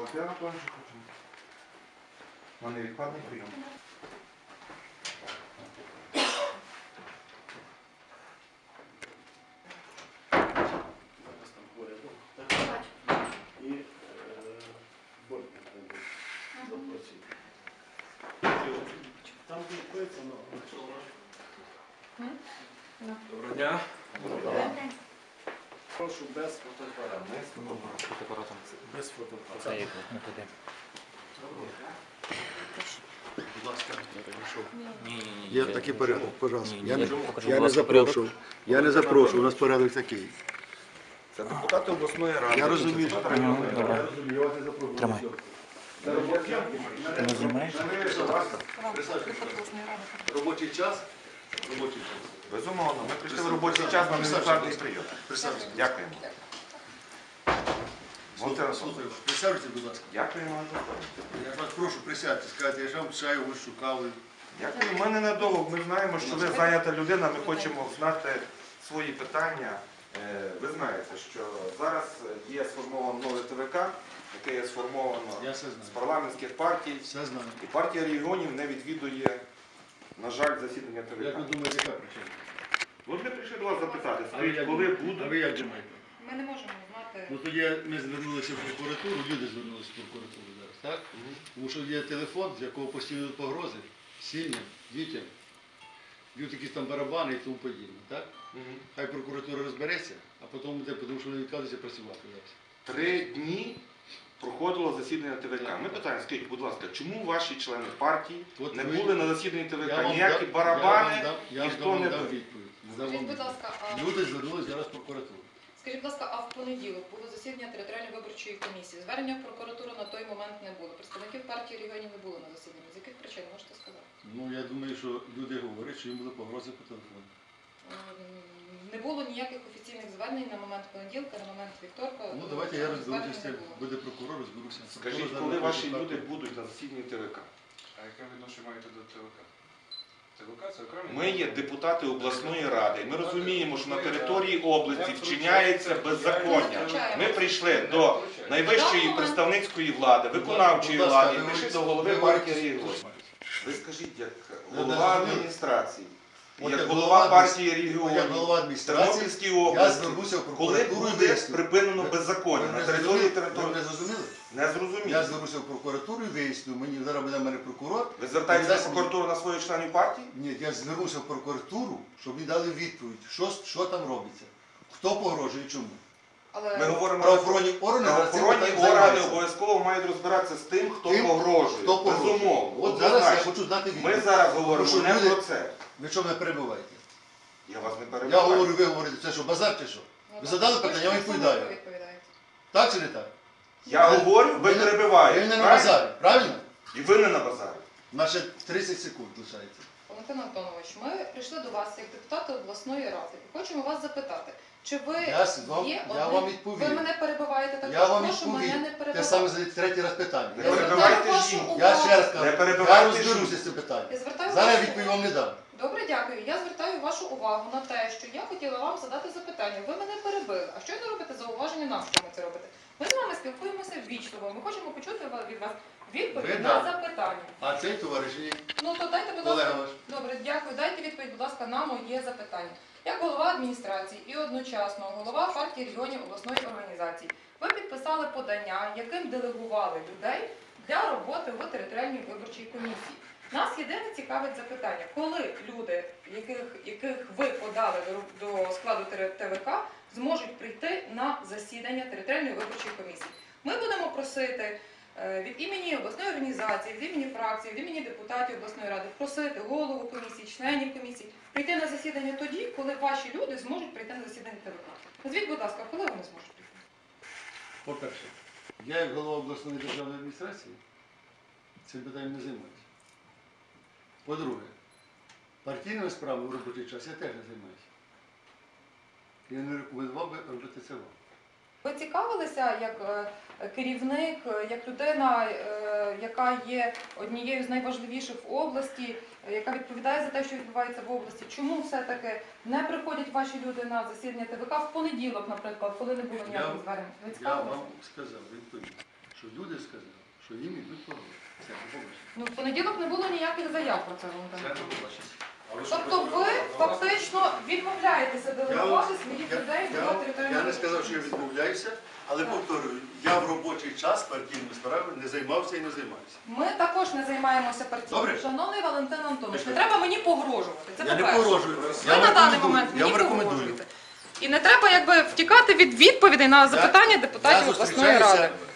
Я напевно, що хочу. У мене відкладний прийом. І Борька запросить. Там відкриється, Доброго дня. прошу без фотоапарату. Без фотоапарату. Будь ласка, Є такий порядок, пожалуйста. Я не запрошую, у нас порядок такий. Це депутати обласної ради. Я розумію, Це я вас не запрошую. Тримай. Це робочий Ти не знімаєш? Робочий час? Робочий час. Безумовно, ми прийшли в робочий час на невідкладний прийом. Дякуємо. Слухаю, присядьте, будь ласка. Дякуємо вам за це. Я вас прошу, присядьте, скажете, я ж вам чаю ось шукали. Дякую. Ми ненадовго. Ми знаємо, що ви зайнята людина, ми хочемо знати свої питання. Ви знаєте, що зараз є сформовано нове ТВК, яке є сформовано Я все з знаю. парламентських партій. Все знаю. І партія регіонів не відвідує, на жаль, засідання Як ви ТВК. думаєте, яка причина? От ми прийшли до вас запитати, А ви як коли думаєте? будуть. А ви як думаєте? Ми не можемо знати. Ну тоді ми звернулися в прокуратуру, люди звернулися в прокуратуру зараз, так? Тому що є телефон, з якого постійно йдуть погрози сім'ям, дітям, б'ють якісь там барабани і тому подібне, так? Хай прокуратура розбереться, а потім буде, тому що вони відказуються працювати зараз. 3 дні проходило засідання ТВК. Ми питаємо, скажіть, будь ласка, чому ваші члени партії От не ви- були на засіданні Я ТВК? вам Ніякі дам- барабани, я вам ніхто не дам був. відповідь. Скажіть, будь ласка, Люди звернулися зараз в прокуратуру. скажіть, будь ласка, а в понеділок було засідання територіальної виборчої комісії. Звернення в прокуратуру на той момент не було. Представників партії регіонів не було на засіданні. З яких причин можете сказати? Ну, я думаю, що люди говорять, що їм були погрози по телефону. Не було ніяких офіційних звернень на момент понеділка, на момент вівторка. Ну, давайте я розберуся звернень з не цим. було. Буде прокурор, розберуся. Скажіть, Прокурор коли зараз ваші хоче люди факти. будуть на засіданні ТВК? А яке відношення маєте до ТВК? ТВК це окремий? Ми є депутати обласної ради. Ми розуміємо, що на території області вчиняється беззаконня. Ми прийшли до найвищої представницької влади, виконавчої Будь ласка, влади, і ви прийшли до говорите- голови ви партії говорите- регіонів. Ви скажіть, як Я голова не розумію. адміністрації, От як як голова голова партії Як регіонів, голова в адміністрації, Тернопільській я області, звернуся в коли прокуратуру і буде виясню. припинено беззаконня Ви на мене території зрозуміли? Ви мене території? зрозуміли? Не Я зрозуміло. звернуся в прокуратуру і виясню. Мені зараз буде в мене прокурор. Ви звертаєтеся Дасть в мені- прокуратуру на своїх членів партії? Ні, я звернуся в прокуратуру, щоб мені дали відповідь, що там робиться, хто погрожує і чому. Але Ми говоримо Правоохоронні органи зараз цим правоохоронні питанням органи займаються. обов'язково мають розбиратися з тим, хто Тим, погрожує. Хто погрожує. Безумовно. От зараз я однозначно. хочу знати відповідь. Ми зараз говоримо Тому що не люди- про це. Ви що мене перебиваєте? Я вас не Я перебиваю. говорю, ви говорите, це що, базар чи що? Ви задали питання, я вам відповідаю. Так чи не так? Я говорю, ви Ви перебиваєте. не на правильно? базарі, правильно? І ви не на базарі. У нас ще 30 секунд лишається. Валентин Антонович, ми прийшли до вас як депутати обласної ради і хочемо вас запитати, чи ви є Я вам відповів. Ви мене перебиваєте так, Я вам прошу мене не відповів. Те перебивати. саме задаєте третій раз питання. Не Я звертаю перебивайте вашу жінку. Я увагу. ще раз кажу, Не я перебивайте розберуся жінку. з цим питанням. Я звертаю Зараз я вашу відповідь вам не дам. Добре, дякую. Я звертаю вашу увагу на те, що я хотіла вам задати запитання. Ви мене перебили. А що ви робите зауваження нам, що ми це робите? Ми з вами спілкуємося ввічливо. Ми хочемо почути від вас відповідь Ви на да. запитання. А цей товариш ні. Ну то дайте, будь Колега ласка. ваш. Добре, дякую. Дайте відповідь, будь ласка, на моє запитання. Як голова адміністрації і одночасно голова партії регіонів обласної організації, ви підписали подання, яким делегували людей для роботи в територіальній виборчій комісії. Нас єдине цікавить запитання, коли люди, яких ви подали до складу ТВК, зможуть прийти на засідання територіальної виборчої комісії. Ми будемо просити від імені обласної організації, від імені фракції, від імені депутатів обласної ради просити голову комісії, членів комісії прийти на засідання тоді, коли ваші люди зможуть прийти на засідання ТВК. Назвіть, будь ласка, коли вони зможуть прийти? По-перше, я як голова обласної державної адміністрації цим питанням не займаюся. По-друге, партійними справами в робочий час я теж не займаюся. Я не рекомендував би робити це вам. Ви цікавилися як керівник, як людина, яка є однією з найважливіших в області, яка відповідає за те, що відбувається в області? Чому все-таки не приходять ваші люди на засідання ТВК в понеділок, наприклад, коли не було ніяких звернень? Ви Я цікавилися? вам сказав відповідь, що люди сказали, що їм йдуть погрози. Все, побачимо. Ну, в понеділок не було ніяких заяв про це, Валентин Це Антонович. побачимо. Тобто ви фактично відмовляєтеся делегувати своїх людей до Я територіального. не сказав, що я відмовляюся, але повторюю, я в робочий час партійними справами не займався і не займаюся. Ми також не займаємося партією. Добре. Шановний Валентин Антонович, не треба мені погрожувати. Це Я не по-перше. погрожую. Ви на даний момент Я мені вам рекомендую. погрожуєте. І не треба якби втікати від відповідей на запитання депутатів обласної ради.